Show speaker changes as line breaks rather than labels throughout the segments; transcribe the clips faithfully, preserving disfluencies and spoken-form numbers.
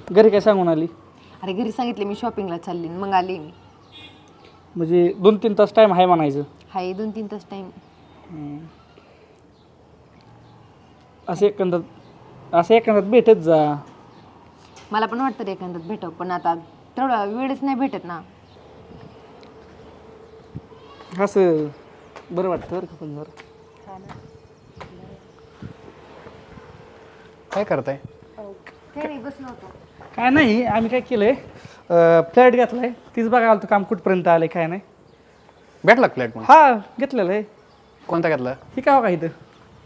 घरी काय सांगून आली?
अरे घरी सांगितले मी शॉपिंगला चालली मग आले मी.
म्हणजे दोन तीन तास टाईम आहे म्हणायचं.
हाय दोन तीन तास टाईम.
असं एकंदर असं एकंदर भेटत जा.
मला पण वाटतं रे एखाद्यात भेटावं पण आता तेवढा वेळच नाही भेटत ना.
असं बरं वाटतं बरं का पण जरा.
काय करताय?
काही नाही बसलो होतो.
काय नाही आम्ही काय केलंय फ्लॅट घेतलाय तीच बघायला आलं काम कुठपर्यंत आले काय नाही.
भेटला फ्लॅट मग?
हा घेतलेलं आहे.
कोणता घेतला?
हे काय बघा इथं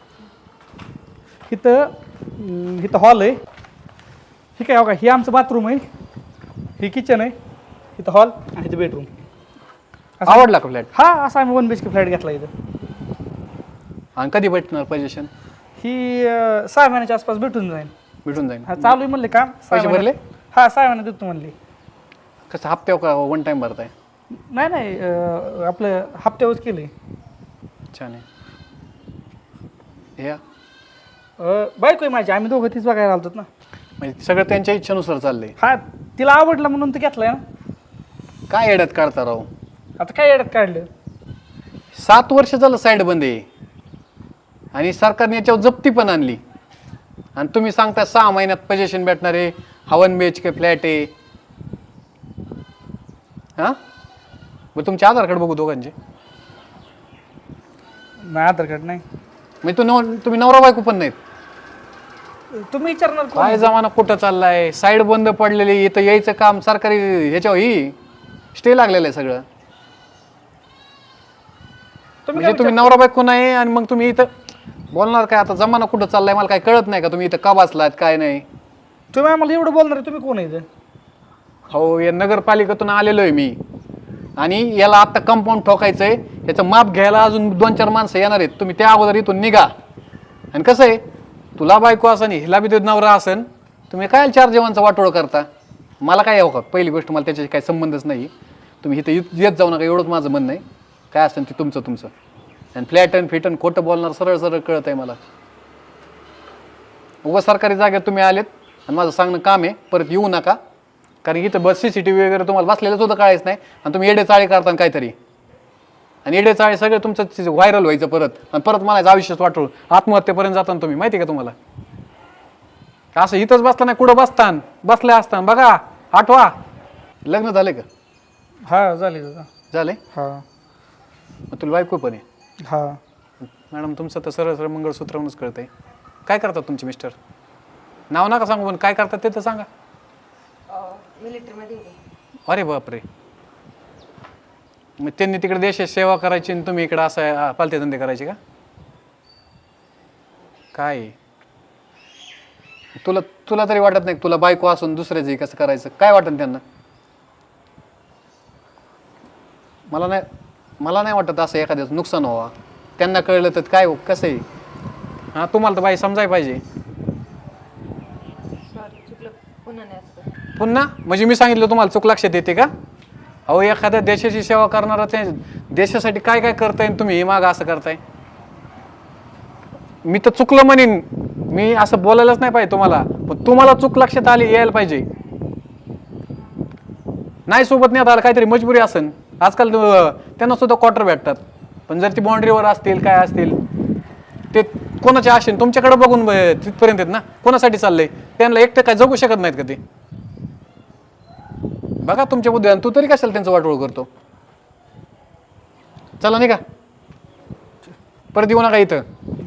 इथं अं, इथं हॉल आहे. हे काय बघा हे आमचं बाथरूम आहे, हे किचन आहे, इथं हॉल आणि इथं बेडरूम.
आवडला का फ्लॅट?
हा असा आम्ही one B H K flat घेतला इथं.
आणि कधी भेटणार पोझिशन?
ही अं, सहा महिन्याच्या आसपास भेटून जाईल.
भेटून जाईल.
हा चालू आहे म्हणले काम. सहा
पैसे
महिन्यात-
भरले?
हा सहा महिन्यात देतो म्हणले.
कसं हप्त्यावर का वन टाइम भरताय?
नाही नाही अं, आपलं हप्त्यावरच केलं आहे.
छान आहे. या
बायको आहे माझी, आम्ही दोघं तीच बघायला आलतो ना.
म्हणजे सगळं त्यांच्या इच्छेनुसार चाललंय.
हा तिला आवडलं म्हणून तर घेतलाय ना.
काय येड्यात काढता राव?
आता काय येड्यात काढलं.
सात वर्ष झालं साईड बंद आहे आणि सरकारने याच्यावर जप्ती पण आणली आणि तुम्ही सांगता सहा महिन्यात पोझिशन भेटणार आहे, हा one B H K flat आहे. हां मग तुमचे आधार कार्ड बघू दोघांचे.
नाही आधार कार्ड नाही.
म्हणजे तू नव तुम्ही नवरा बायको पण नाहीत.
तुम्ही विचारणार कोण?
काय जमाना कुठं चाललाय? साईड बंद पडलेली, इथं यायचं काम सरकारी ह्याच्यावर ही स्टे लागलेलं आहे सगळं.
तुम्ही
म्हणजे तुम्ही नवरा बायको नाही आणि मग तुम्ही इथं बोलणार काय? आता जमाना कुठं चाललाय मला काय कळत नाही का? तुम्ही इथं का बसलात काय नाही?
तुम्ही आम्हाला एवढं बोलणार आहे, तुम्ही कोण आहे इथं?
हो या नगरपालिकेतून आलेलो आहे मी आणि याला आता कंपाऊंड ठोकायचं आहे. याचं माप घ्यायला अजून दोन चार माणसं येणार आहेत. तुम्ही त्या अगोदर इथून निघा. आणि कसं आहे तुला बायको असन हिला बी नवरा असन, तुम्ही काय चार जेवणचा वाटोळ करता? मला काय यावं का? पहिली गोष्ट मला त्याच्याशी काही संबंधच नाही. तुम्ही इथं येत जाऊ नका एवढंच माझं म्हणणं आहे. काय असेल ते तुमचं तुमचं. आणि फ्लॅटन फिटन खोटं बोलणार सरळ सरळ कळत आहे मला. उगा सरकारी जागेत तुम्ही आलेत आणि माझं सांगणं काम आहे, परत येऊ नका. कारण इथं बस सी सी टी व्ही वगैरे तुम्हाला बसलेलं सुद्धा कळायच नाही आणि तुम्ही येडे चाळे करता काहीतरी. आणि येडे चाळे सगळे तुमचं व्हायरल व्हायचं परत आणि परत मला आयुष्यात वाटू आत्महत्येपर्यंत जाताना तुम्ही माहिती आहे का तुम्हाला? असं इथंच बसला नाही कुठं बसतान बसले असताना बघा आठवा. लग्न झाले का?
हा झाले दादा.
झाले?
हा
मग तुला बायको पण आहे?
हा.
मॅडम तुमचं तर सरळ सरळ मंगळसूत्रावरूनच कळतंय. काय करतात तुमचे मिस्टर? नाव नका सांगू पण काय करतात ते तर सांगा.
मिलिटरीमध्ये.
अरे बापरे. मग त्यांनी तिकडे देशाची सेवा करायची आणि तुम्ही इकडे असं पालते धंदे करायचे का? काय तुला तुला तरी वाटत नाही तुला बायको असून दुसऱ्याचं कसं करायचं? काय वाटत त्यांना? मला नाही मला नाही वाटत असं एखाद्याचं नुकसान व्हावा. त्यांना कळलं तर काय कसं आहे? हां तुम्हाला तर बाई समजायला पाहिजे.
सॉरी चुकलं पुन्हा नाही असं.
पुन्हा म्हणजे मी सांगितलं तुम्हाला चूक लक्षात येते का? अहो एखाद्या देशाची सेवा करणारा ते देशासाठी काय काय करताय तुम्ही हे मागं असं करताय. मी तर चुकलं म्हणेन, मी असं बोलायलाच नाही पाहिजे तुम्हाला, पण तुम्हाला चूक लक्षात आली यायला पाहिजे. नाही सोबत नाही आलं काहीतरी मजबुरी असेल. आजकाल त्यांना सुद्धा क्वार्टर भेटतात, पण जर ती बाउंड्रीवर असतील काय असतील ते कोणाच्या आशेने तुमच्याकडे बघून तिथपर्यंत आहेत ना. कोणासाठी चाललंय? त्यांना एकटं काय जगू शकत नाहीत का ते? बघा तुमच्या बुद्धी. तू तरी कशाला त्यांचं वाटोळ करतो? चला नाही का परत येऊ नका इथं.